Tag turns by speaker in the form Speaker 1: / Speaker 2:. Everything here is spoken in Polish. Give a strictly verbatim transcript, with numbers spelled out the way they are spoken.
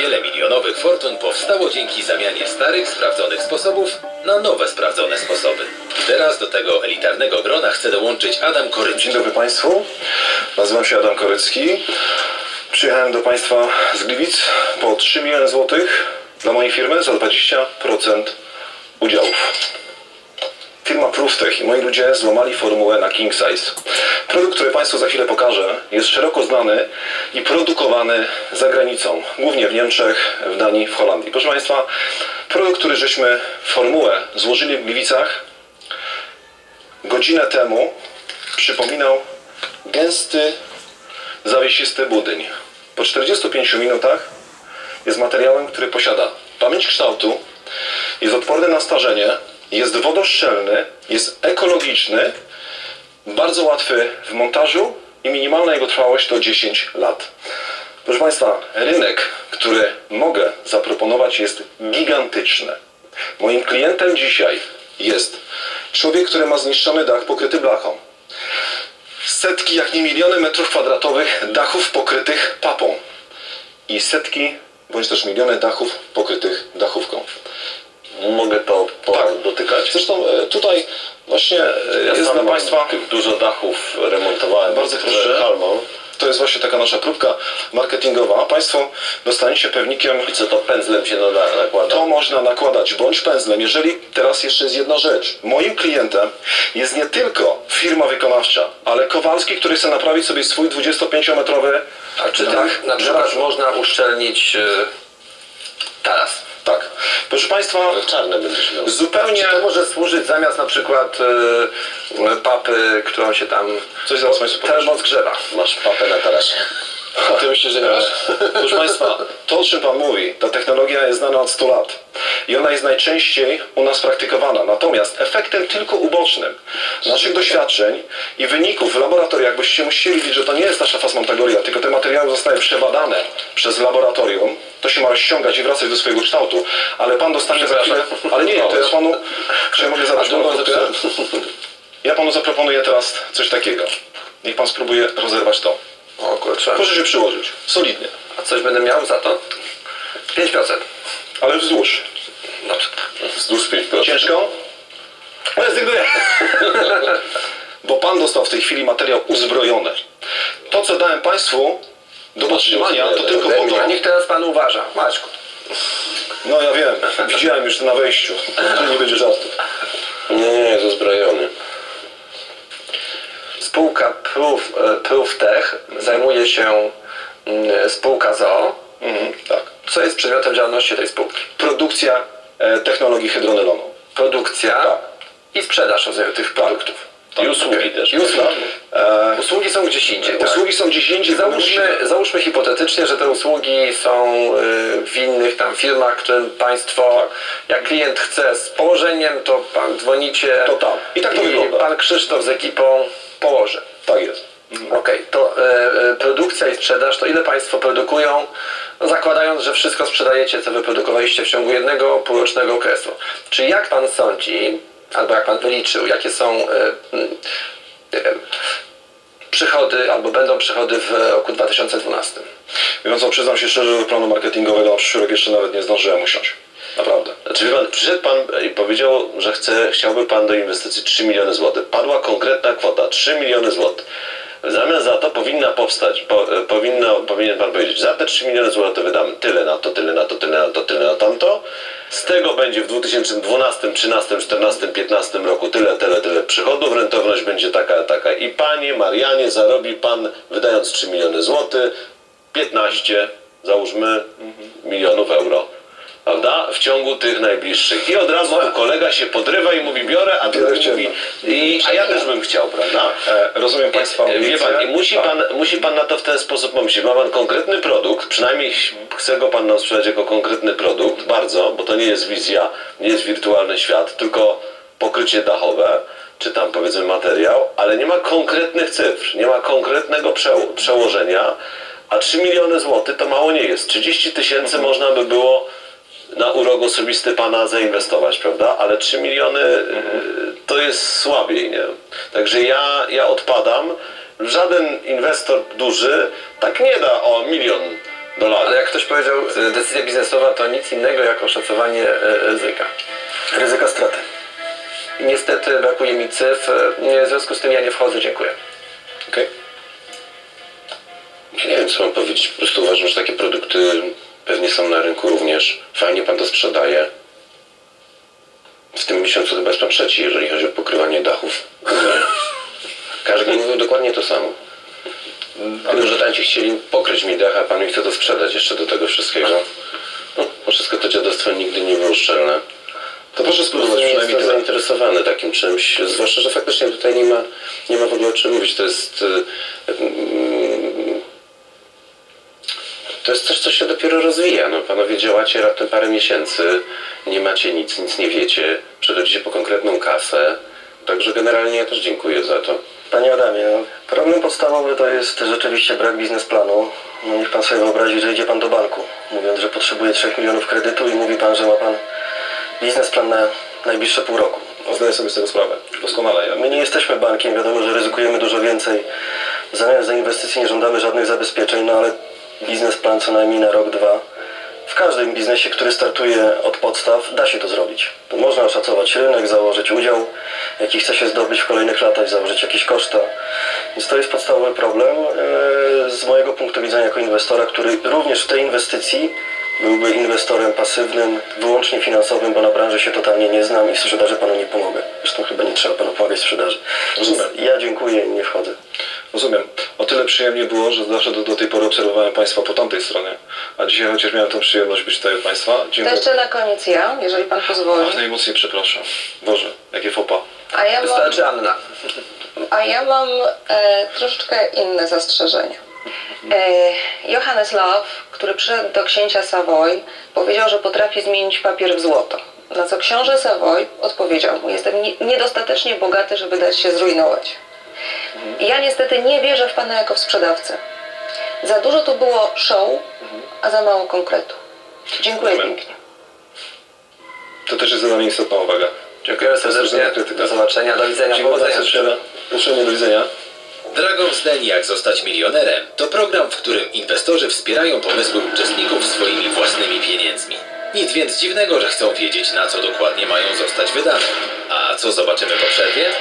Speaker 1: Wiele milionowych fortun powstało dzięki zamianie starych, sprawdzonych sposobów na nowe, sprawdzone sposoby. Teraz do tego elitarnego grona chce dołączyć Adam Korycki.
Speaker 2: Dzień dobry Państwu, nazywam się Adam Korycki. Przyjechałem do Państwa z Gliwic po trzy miliony złotych dla mojej firmy za dwadzieścia procent udziałów. Firma Prooftech i moi ludzie złamali formułę na King Size. Produkt, który Państwu za chwilę pokażę, jest szeroko znany i produkowany za granicą, głównie w Niemczech, w Danii, w Holandii. Proszę Państwa, produkt, który żeśmy formułę złożyli w Gliwicach, godzinę temu przypominał gęsty, zawiesisty budyń. Po czterdziestu pięciu minutach jest materiałem, który posiada pamięć kształtu, jest odporny na starzenie, jest wodoszczelny, jest ekologiczny, bardzo łatwy w montażu i minimalna jego trwałość to dziesięć lat. Proszę Państwa, rynek, który mogę zaproponować, jest gigantyczny. Moim klientem dzisiaj jest człowiek, który ma zniszczony dach pokryty blachą. Setki, jak nie miliony metrów kwadratowych dachów pokrytych papą. I setki, bądź też miliony dachów pokrytych dachówką.
Speaker 3: Mogę to
Speaker 2: Tak.
Speaker 3: dotykać.
Speaker 2: Zresztą tutaj właśnie
Speaker 3: Ja
Speaker 2: jest dla Państwa...
Speaker 3: tych dużo dachów remontowałem.
Speaker 2: Bardzo proszę.
Speaker 3: Halmą.
Speaker 2: To jest właśnie taka nasza próbka marketingowa. Państwo dostaniecie pewnikiem...
Speaker 3: I co to pędzlem się nada, nakłada?
Speaker 2: To można nakładać bądź pędzlem. Jeżeli teraz jeszcze jest jedna rzecz. Moim klientem jest nie tylko firma wykonawcza, ale Kowalski, który chce naprawić sobie swój dwudziestopięciometrowy
Speaker 3: A czy
Speaker 2: dach
Speaker 3: tak na przykład
Speaker 2: garażu.
Speaker 3: można uszczelnić yy, taras?
Speaker 2: Tak. Proszę Państwa,
Speaker 3: Czarne będziesz miał.
Speaker 2: zupełnie...
Speaker 3: Czy to może służyć zamiast na przykład yy, papy, którą się tam
Speaker 2: Coś zaraz Państwu pokażę.
Speaker 3: termozgrzewa? Masz papę na tarasie.
Speaker 2: A ty myślisz, że nie masz? Proszę Państwa, to o czym Pan mówi, ta technologia jest znana od stu lat i ona jest najczęściej u nas praktykowana. Natomiast efektem tylko ubocznym naszych doświadczeń i wyników w laboratoriach, boście musieli widzieć, że to nie jest nasza fasmontagoria, tylko te materiały zostały przebadane przez laboratorium, to się ma rozciągać i wracać do swojego kształtu, ale Pan dostanie za chwilę... Ale nie, to ja Panu... Czy ja mogę zadać drugą krótkę? Ja Panu zaproponuję teraz coś takiego. Niech Pan spróbuje rozerwać to.
Speaker 3: O kurczę.
Speaker 2: Proszę się przyłożyć. Solidnie.
Speaker 3: A coś będę miał za to? pięć procent.
Speaker 2: Ale wzdłuż.
Speaker 3: Dobrze.
Speaker 2: Wzdłuż pięć procent. Ciężko?
Speaker 3: Rezygnuję.
Speaker 2: Bo Pan dostał w tej chwili materiał uzbrojony. To, co dałem Państwu do podtrzymania, to tylko po to...
Speaker 3: Niech teraz Pan uważa. Maćku.
Speaker 2: No ja wiem. Widziałem już na wejściu. Że nie będzie żartów.
Speaker 3: Nie, nie, jest uzbrojony. Spółka Proof, Prooftech zajmuje się mm, spółka z o o.
Speaker 2: Mhm, tak.
Speaker 3: Co jest przedmiotem działalności tej spółki?
Speaker 2: Produkcja e, technologii hydronylonu.
Speaker 3: Produkcja
Speaker 2: Tak.
Speaker 3: i sprzedaż rozumiem, tych produktów.
Speaker 2: Tak,
Speaker 3: I usługi
Speaker 2: okej.
Speaker 3: też.
Speaker 2: I usługi. E,
Speaker 3: Usługi są gdzieś indziej. Tak?
Speaker 2: usługi są gdzieś indziej.
Speaker 3: Załóżmy, załóżmy hipotetycznie, że te usługi są y, w innych tam firmach, którym Państwo, jak klient chce z położeniem, to Pan dzwonicie
Speaker 2: To tam. I tak to wygląda.
Speaker 3: Pan Krzysztof z ekipą położy.
Speaker 2: Tak jest. Mhm.
Speaker 3: Okej, okay. to y, y, produkcja i sprzedaż, to ile Państwo produkują, no, zakładając, że wszystko sprzedajecie, co wyprodukowaliście w ciągu jednego półrocznego okresu. Czy jak Pan sądzi, albo jak Pan wyliczył, jakie są y, y, y, przychody, albo będą przychody w roku dwa tysiące dwunastym?
Speaker 2: Mówiąc, przyznam się szczerze, że do planu marketingowego na przyszły rok jeszcze nawet nie zdążyłem usiąść. Naprawdę.
Speaker 4: Znaczy, wie pan, przyszedł Pan i powiedział, że chce, chciałby Pan do inwestycji trzy miliony złotych. Padła konkretna kwota, trzy miliony złotych. W zamian za to powinna powstać, po, powinno, powinien Pan powiedzieć, za te trzy miliony złotych wydamy tyle na to, tyle na to, tyle na to, tyle na tamto. Z tego będzie w dwa tysiące dwunastym, trzynastym, czternastym, piętnastym roku tyle, tyle, tyle przychodów, rentowność będzie taka, taka. I Panie Marianie, zarobi Pan, wydając trzy miliony złotych, piętnaście, załóżmy, milionów euro. Prawda? W ciągu tych najbliższych. I od razu kolega się podrywa i mówi, biorę, a drugi mówi, i, a ja też bym chciał, prawda?
Speaker 2: E, rozumiem Państwa
Speaker 4: Wie
Speaker 2: ambicje.
Speaker 4: pan, i musi,
Speaker 2: Tak.
Speaker 4: pan, musi Pan na to w ten sposób pomyśleć. Ma Pan konkretny produkt, przynajmniej chce go Pan nam sprzedać jako konkretny produkt, bardzo, bo to nie jest wizja, nie jest wirtualny świat, tylko pokrycie dachowe, czy tam powiedzmy materiał, ale nie ma konkretnych cyfr, nie ma konkretnego przeło przełożenia, a trzy miliony złotych to mało nie jest. trzydzieści tysięcy mhm. można by było na urok osobisty Pana zainwestować, prawda? Ale trzy miliony mhm. to jest słabiej, nie? Także ja, ja odpadam. Żaden inwestor duży tak nie da o milion dolarów.
Speaker 3: Ale jak ktoś powiedział, e, decyzja biznesowa to nic innego jak oszacowanie e, ryzyka.
Speaker 2: Ryzyka straty.
Speaker 3: Niestety brakuje mi cyfr, e, w związku z tym ja nie wchodzę, dziękuję.
Speaker 2: Okej?
Speaker 5: Ja nie wiem, co mam powiedzieć. Po prostu uważam, że takie produkty pewnie są na rynku również. Fajnie pan to sprzedaje. W tym miesiącu chyba jest pan trzeci, jeżeli chodzi o pokrywanie dachów. Każdy mówił dokładnie to samo. Ale że tam ci chcieli pokryć mi dach, a pan mi chce to sprzedać jeszcze do tego wszystkiego. No, bo wszystko to dziadostwo nigdy nie było szczelne.
Speaker 2: To proszę
Speaker 5: Po
Speaker 2: spróbować
Speaker 5: prostu nie
Speaker 2: przynajmniej
Speaker 5: jestem
Speaker 2: tyle.
Speaker 5: zainteresowany takim czymś, zwłaszcza, że faktycznie tutaj nie ma, nie ma w ogóle o czym mówić. To jest... Yy, To jest coś, co się dopiero rozwija. No, panowie działacie raptem parę miesięcy, nie macie nic, nic nie wiecie, przechodzicie po konkretną kasę. Także generalnie ja też dziękuję za to.
Speaker 6: Panie Adamie, no, problem podstawowy to jest rzeczywiście brak biznesplanu. No, niech pan sobie wyobrazi, że idzie pan do banku, mówiąc, że potrzebuje trzech milionów kredytu i mówi pan, że ma pan biznesplan na najbliższe pół roku.
Speaker 2: No, zdaję sobie z tego sprawę. Doskonale. Ja.
Speaker 6: My nie jesteśmy bankiem, wiadomo, że ryzykujemy dużo więcej. W zamian za inwestycje nie żądamy żadnych zabezpieczeń, no ale biznesplan co najmniej na rok, dwa. W każdym biznesie, który startuje od podstaw, da się to zrobić. To można oszacować rynek, założyć udział, jaki chce się zdobyć w kolejnych latach, założyć jakieś koszta. Więc to jest podstawowy problem e, z mojego punktu widzenia jako inwestora, który również w tej inwestycji byłby inwestorem pasywnym, wyłącznie finansowym, bo na branży się totalnie nie znam i w sprzedaży panu nie pomogę. Zresztą chyba nie trzeba panu pomagać w sprzedaży.
Speaker 2: Rozumiem.
Speaker 6: Więc ja dziękuję i nie wchodzę.
Speaker 2: Rozumiem. O tyle przyjemnie było, że zawsze do, do tej pory obserwowałem Państwa po tamtej stronie. A dzisiaj chociaż miałem tą przyjemność być tutaj u Państwa.
Speaker 7: To
Speaker 2: Dziękuję.
Speaker 7: jeszcze na koniec ja, jeżeli pan pozwoli.
Speaker 2: Ach, najmocniej przepraszam. Boże, jakie fopa.
Speaker 7: A ja mam,
Speaker 3: Wystarczy Anna.
Speaker 7: a ja mam e, troszeczkę inne zastrzeżenia. E, Johannes Love, który przyszedł do księcia Savoy, powiedział, że potrafi zmienić papier w złoto. Na co książę Savoy odpowiedział mu: jestem nie, niedostatecznie bogaty, żeby dać się zrujnować. I ja niestety nie wierzę w pana jako w sprzedawcę. Za dużo tu było show, a za mało konkretu. Dziękuję
Speaker 2: Rozumiem.
Speaker 7: pięknie.
Speaker 2: To też jest za nami istotna uwaga.
Speaker 3: Dziękuję serdecznie. Do zobaczenia, do widzenia.
Speaker 2: Dziękuję
Speaker 3: Powodzenia.
Speaker 2: serdecznie. Uprzejmie do widzenia.
Speaker 1: Dragon's Den Jak zostać milionerem to program, w którym inwestorzy wspierają pomysły uczestników swoimi własnymi pieniędzmi. Nic więc dziwnego, że chcą wiedzieć, na co dokładnie mają zostać wydane. A co zobaczymy po przerwie?